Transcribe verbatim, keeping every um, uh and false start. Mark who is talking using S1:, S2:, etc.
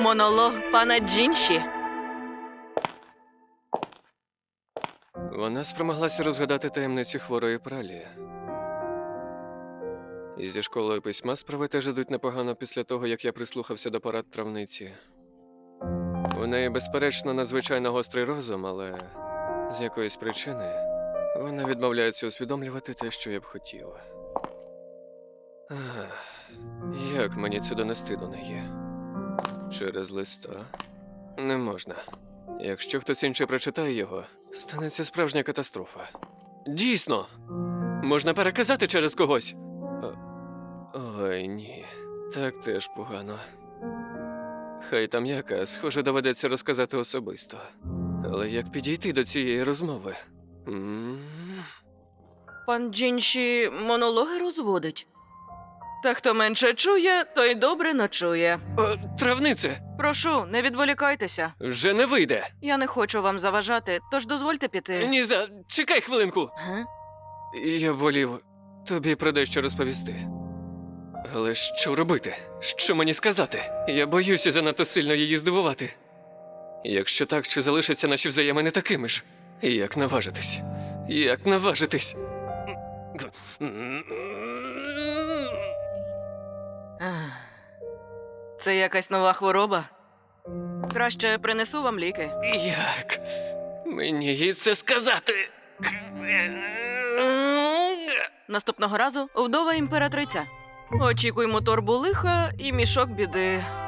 S1: Монолог пана Джінші.
S2: Вона спромоглася розгадати таємницю хворої пралі. І зі школою письма справи теж ідуть непогано після того, як я прислухався до порад травниці. У неї, безперечно, надзвичайно гострий розум, але з якоїсь причини вона відмовляється усвідомлювати те, що я б хотів. Ах, як мені це донести до неї? Через листа? Не можна. Якщо хтось інший прочитає його, станеться справжня катастрофа. Дійсно! Можна переказати через когось. О, ой, ні. Так теж погано. Хай там яка, схоже, доведеться розказати особисто. Але як підійти до цієї розмови? М?
S1: Пан Джінші монологи розводить. Та хто менше чує, той добре ночує.
S2: О, травнице!
S1: Прошу, не відволікайтеся.
S2: Вже не вийде!
S1: Я не хочу вам заважати, тож дозвольте піти.
S2: Ні за... Чекай хвилинку!
S1: Га?
S2: Я волів тобі про дещо розповісти. Але що робити? Що мені сказати? Я боюся занадто сильно її здивувати. Якщо так, чи залишаться наші взаємини такими ж? Як наважитись? Як наважитись?
S1: Ах. Це якась нова хвороба? Краще принесу вам ліки.
S2: Як мені їй це сказати?
S1: Наступного разу вдова імператриця. Очікуємо торбу лиха і мішок біди.